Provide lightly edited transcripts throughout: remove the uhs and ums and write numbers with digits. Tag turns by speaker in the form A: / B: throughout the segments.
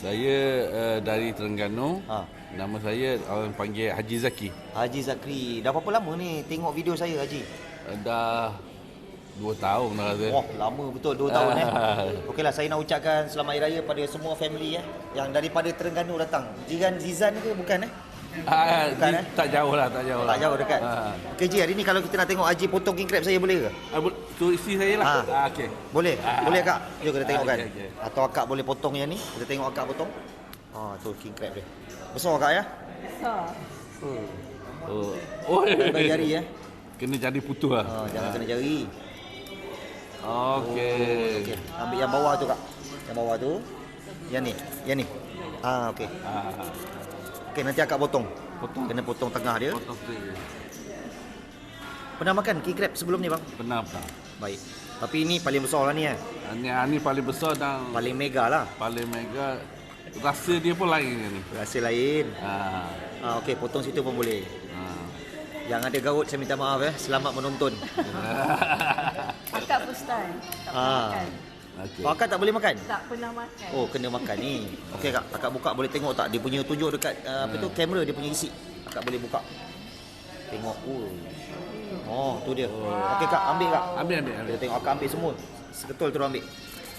A: Saya dari Terengganu.
B: Ha.
A: Nama saya orang panggil Haji Zaki.
B: Haji Zakri. Dah berapa lama ni tengok video saya, Haji?
A: Dah 2 tahun dah rasa.
B: Wah, lama betul 2 tahun Okeylah, saya nak ucapkan selamat hari raya pada semua family yang daripada Terengganu datang. Jiran Zizan ke bukan Bukan,
A: tak jauh lah, tak jauh lah.
B: Tak jauh dekat. Okey Ji, hari ni kalau kita nak tengok Haji potong king crab saya boleh ke?
A: Tu isteri saya lah. Okey.
B: Boleh? Boleh Kak? Jom kita tengok kan.
A: Okay.
B: Atau Akak boleh potong yang ni? Kita tengok Akak potong. Tu king crab dia. Besar Kak ya?
C: Besar.
B: Bagi jari
A: Kena jari putus lah.
B: Jangan kena jari.
A: Okey.
B: Ambil yang bawah tu Kak. Yang bawah tu. Yang ni. Okey. Okey, nanti Akak potong. Kena potong tengah dia.
A: Potong straight.
B: Pernah makan king crab sebelum ni bang?
A: Pernah.
B: Baik. Tapi ini paling besar lah ni
A: Ini paling besar dan
B: paling mega lah.
A: paling mega. Rasa dia pun lain ni.
B: Rasa lain. Okey, potong situ pun boleh. Yang ada gaut saya minta maaf Selamat menonton.
C: Akak first time. Tak pernah makan.
A: Okay.
B: Akak tak boleh makan?
C: Tak pernah makan.
B: Kena makan ni. Okey Kak, Akak buka boleh tengok tak? Dia punya tunjuk dekat kamera dia punya isi. Akak boleh buka. Tengok. Tu dia. Okey Kak, ambil Kak.
A: Ambil.
B: Kita tengok Akak ambil semua. Seketul terus ambil.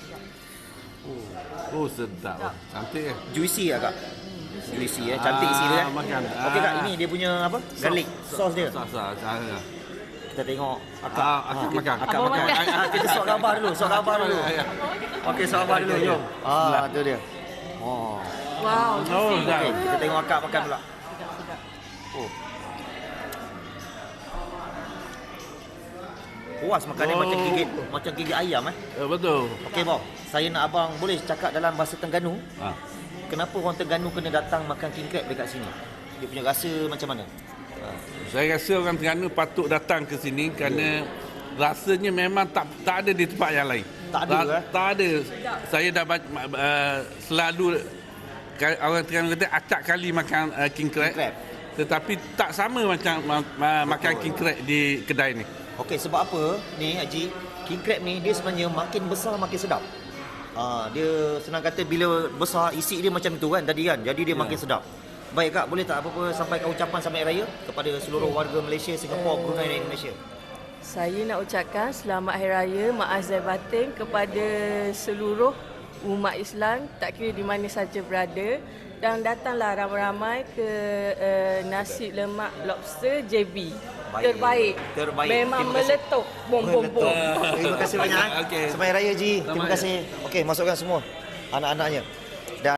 A: Sedap. Cantik
B: Juicy Kak. Juicy cantik isi dia
A: makan.
B: Okey Kak, ini dia punya apa? Garlic sauce dia. Kita tengok
A: Akak makan.
B: Akak makan. Kita sok gambar dulu. Okey, sok gambar dulu. Jom. Tu dia.
C: Wow.
B: Okey, kita tengok Akak makan pula. Puas makan ni macam gigit ayam
A: Betul.
B: Okey bang, saya nak abang boleh cakap dalam bahasa Terengganu. Kenapa orang Terengganu kena datang makan king crab dekat sini? Dia punya rasa macam mana?
A: Saya rasa orang Terengganu patut datang ke sini kerana rasanya memang tak ada di tempat yang lain.
B: Tak ada
A: Tak ada. Saya dah selalu orang Terengganu kata acak kali makan king crab. Tetapi tak sama macam makan king crab di kedai ni.
B: Okey, sebab apa ni Haji? King crab ni dia sebenarnya makin besar makin sedap. Dia senang kata bila besar isi dia macam tu kan tadi kan. Jadi dia makin sedap. Baik Kak, boleh tak apa-apa sampaikan ucapan selamat raya kepada seluruh warga Malaysia, Singapura, Brunei dan Indonesia.
C: Saya nak ucapkan selamat hari raya maaf zahir batin kepada seluruh umat Islam tak kira di mana saja berada, dan datanglah ramai-ramai ke nasi lemak lobster JB. Terbaik. Memang meletup bom.
B: Terima kasih banyak.
A: Okey.
B: Selamat raya Ji. Terima kasih. Okey, masukkan semua anak-anaknya.